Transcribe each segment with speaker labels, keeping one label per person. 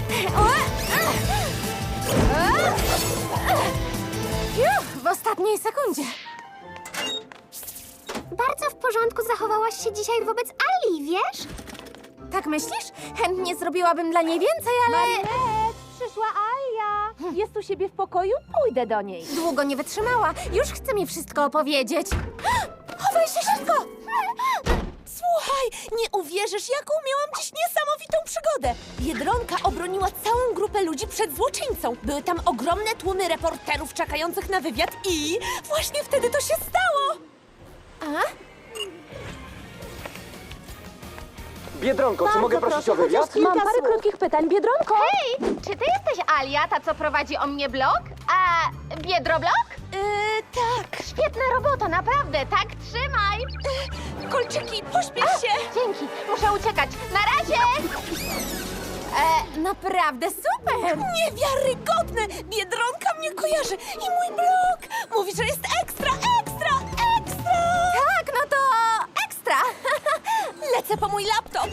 Speaker 1: W ostatniej sekundzie.
Speaker 2: Bardzo w porządku zachowałaś się dzisiaj wobec Ali, wiesz?
Speaker 1: Tak myślisz? Chętnie zrobiłabym dla niej więcej, ale...
Speaker 3: Marinet, przyszła Alia. Jest u siebie w pokoju? Pójdę do niej.
Speaker 1: Długo nie wytrzymała. Już chce mi wszystko opowiedzieć. Chowaj się szybko!
Speaker 4: Słuchaj, nie uwierzysz, jaką miałam dziś niesamowitą przygodę. Biedronka obroniła całą grupę ludzi przed złoczyńcą. Były tam ogromne tłumy reporterów czekających na wywiad i właśnie wtedy to się stało.
Speaker 5: Biedronko, czy mogę prosić o wywiad?
Speaker 3: Mam parę krótkich pytań, Biedronko.
Speaker 2: Hej, czy ty jesteś Alia, ta co prowadzi o mnie blog? A Biedroblog?
Speaker 4: Tak.
Speaker 2: Świetna robota, naprawdę, tak trzymaj!
Speaker 4: Kolczyki, pośpiesz się.
Speaker 2: Dzięki, muszę uciekać. Na razie!
Speaker 1: Naprawdę super!
Speaker 4: Niewiarygodne! Biedronka mnie kojarzy i mój blog. Mówi, że jest ekstra, ekstra, ekstra.
Speaker 1: Tak, no to ekstra!
Speaker 4: Lecę po mój laptop.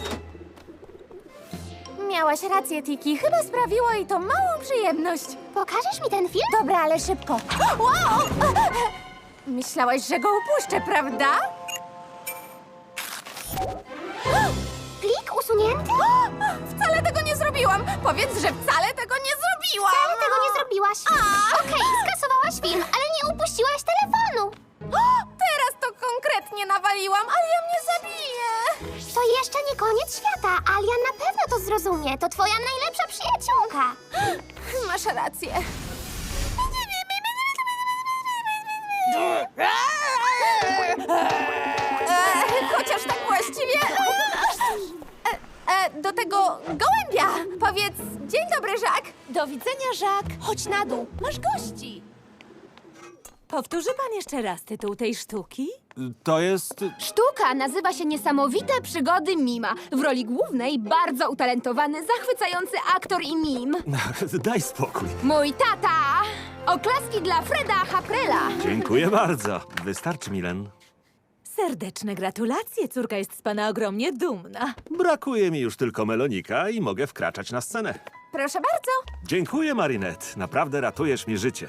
Speaker 1: Miałaś rację, Tiki. Chyba sprawiło jej to małą przyjemność.
Speaker 2: Pokażesz mi ten film?
Speaker 1: Dobra, ale szybko. Wow! Myślałaś, że go upuszczę, prawda?
Speaker 2: Plik usunięty?
Speaker 1: Wcale tego nie zrobiłam! Powiedz, że wcale tego nie zrobiłam!
Speaker 2: Ale tego nie zrobiłaś. Okej, skasowałaś film, ale nie upuściłaś telefonu.
Speaker 1: Teraz to konkretnie nawaliłam, ale ja mnie zabije!
Speaker 2: To jeszcze nie koniec świata. Alia na pewno to zrozumie. To twoja najlepsza przyjaciółka.
Speaker 1: Masz rację. Chociaż tak właściwie... do tego gołębia! Powiedz, dzień dobry, Żak.
Speaker 4: Do widzenia, Żak. Chodź na dół, masz gości.
Speaker 3: Powtórzy pan jeszcze raz tytuł tej sztuki?
Speaker 5: To jest...
Speaker 3: Sztuka nazywa się Niesamowite przygody Mima. W roli głównej bardzo utalentowany, zachwycający aktor i mim.
Speaker 6: Daj spokój.
Speaker 3: Mój tata! Oklaski dla Freda Haprela.
Speaker 6: Dziękuję bardzo. Wystarczy, Milen.
Speaker 7: Serdeczne gratulacje, córka jest z pana ogromnie dumna.
Speaker 6: Brakuje mi już tylko melonika i mogę wkraczać na scenę.
Speaker 1: Proszę bardzo.
Speaker 6: Dziękuję, Marinette. Naprawdę ratujesz mi życie.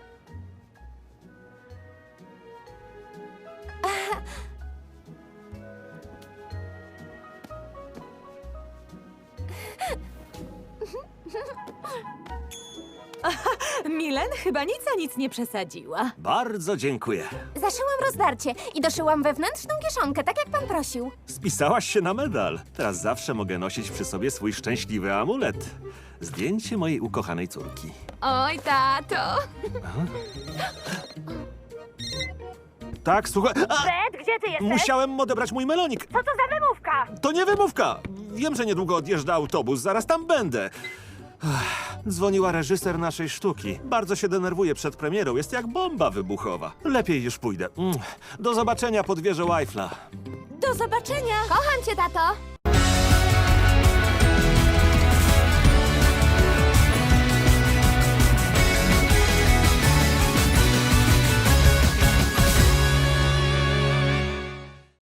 Speaker 7: Milen chyba nic a nic nie przesadziła.
Speaker 6: Bardzo dziękuję.
Speaker 1: Zaszyłam rozdarcie i doszyłam wewnętrzną kieszonkę, tak jak pan prosił.
Speaker 6: Spisałaś się na medal. Teraz zawsze mogę nosić przy sobie swój szczęśliwy amulet. Zdjęcie mojej ukochanej córki.
Speaker 3: Oj, tato!
Speaker 6: Tak, słuchaj... A!
Speaker 3: Fred, gdzie ty jesteś?
Speaker 6: Musiałem odebrać mój melonik.
Speaker 3: Co to za wymówka?
Speaker 6: To nie wymówka. Wiem, że niedługo odjeżdża autobus. Zaraz tam będę. Dzwoniła reżyser naszej sztuki. Bardzo się denerwuje przed premierą. Jest jak bomba wybuchowa. Lepiej już pójdę. Do zobaczenia pod wieżą Eiffla.
Speaker 4: Do zobaczenia.
Speaker 3: Kocham cię, tato!